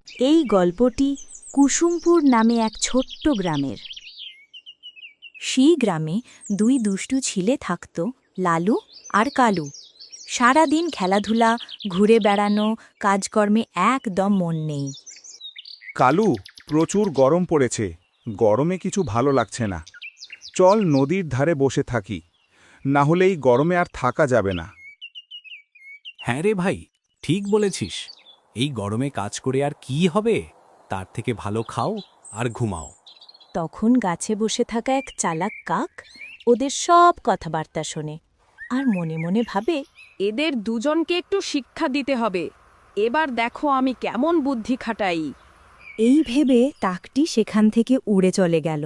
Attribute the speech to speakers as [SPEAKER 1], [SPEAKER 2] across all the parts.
[SPEAKER 1] এই গল্পটি কুসুমপুর নামে এক ছোট্ট গ্রামের। সেই গ্রামে দুই দুষ্টু ছেলে থাকত, লালু আর কালু। সারাদিন খেলাধুলা, ঘুরে বেড়ানো, কাজকর্মে একদম মন নেই।
[SPEAKER 2] কালু, প্রচুর গরম পড়েছে, গরমে কিছু ভালো লাগছে না। চল নদীর ধারে বসে থাকি, না হলে এই গরমে আর থাকা যাবে না।
[SPEAKER 3] হ্যাঁ রে ভাই, ঠিক বলেছিস। এই গরমে কাজ করে আর কি হবে? তার থেকে ভালো খাও আর ঘুমাও।
[SPEAKER 1] তখন গাছে বসে থাকা এক চালাক কাক ওদের সব কথাবার্তা শোনে আর মনে মনে ভাবে,
[SPEAKER 4] এদের দুজনকে একটু শিক্ষা দিতে হবে। এবার দেখো আমি কেমন বুদ্ধি খাটাই।
[SPEAKER 1] এই ভেবে কাকটি সেখান থেকে উড়ে চলে গেল।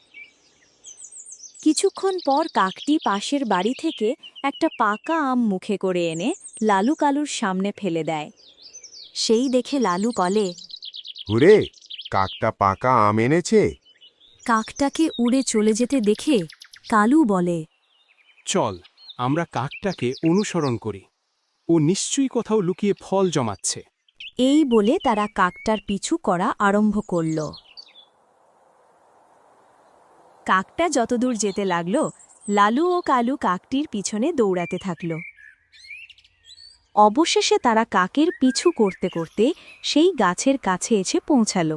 [SPEAKER 1] কিছুক্ষণ পর কাকটি পাশের বাড়ি থেকে একটা পাকা আম মুখে করে এনে লালু কালুর সামনে ফেলে দেয়। সেই দেখে লালু বলে,
[SPEAKER 5] হুরে, কাকটা পাকা আম এনেছে।
[SPEAKER 1] কাকটাকে উড়ে চলে যেতে দেখে কালু বলে,
[SPEAKER 3] চল আমরা কাকটাকে অনুসরণ করি। ও নিশ্চয়ই কোথাও লুকিয়ে ফল জমাচ্ছে।
[SPEAKER 1] এই বলে তারা কাকটার পিছু করা আরম্ভ করল। কাকটা যতদূর যেতে লাগল, লালু ও কালু কাকটির পিছনে দৌড়াতে থাকল। অবশেষে তারা কাকের পিছু করতে করতে সেই গাছের কাছে এসে পৌঁছাল।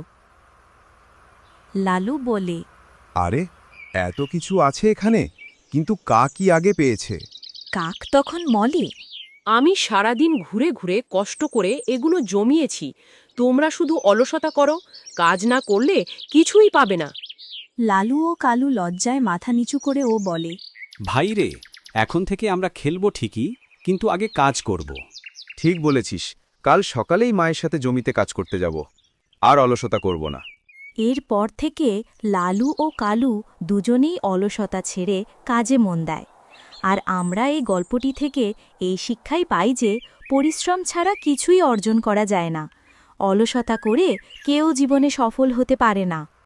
[SPEAKER 1] লালু বলে,
[SPEAKER 5] আরে, এত কিছু আছে এখানে, কিন্তু কাকই আগে পেয়েছে।
[SPEAKER 1] কাক তখন বলে,
[SPEAKER 4] আমি সারাদিন ঘুরে ঘুরে কষ্ট করে এগুলো জমিয়েছি। তোমরা শুধু অলসতা করো, কাজ না করলে কিছুই পাবে না।
[SPEAKER 1] লালু ও কালু লজ্জায় মাথা নিচু করে ও বলে,
[SPEAKER 3] ভাই রে, এখন থেকে আমরা খেলবো ঠিকই, কিন্তু আগে কাজ করব।
[SPEAKER 5] ঠিক বলেছিস, কাল সকালেই মায়ের সাথে জমিতে কাজ করতে যাব, আর অলসতা করব না।
[SPEAKER 1] এরপর থেকে লালু ও কালু দুজনেই অলসতা ছেড়ে কাজে মন দেয়। আর আমরা এই গল্পটি থেকে এই শিক্ষাই পাই যে পরিশ্রম ছাড়া কিছুই অর্জন করা যায় না। অলসতা করে কেউ জীবনে সফল হতে পারে না।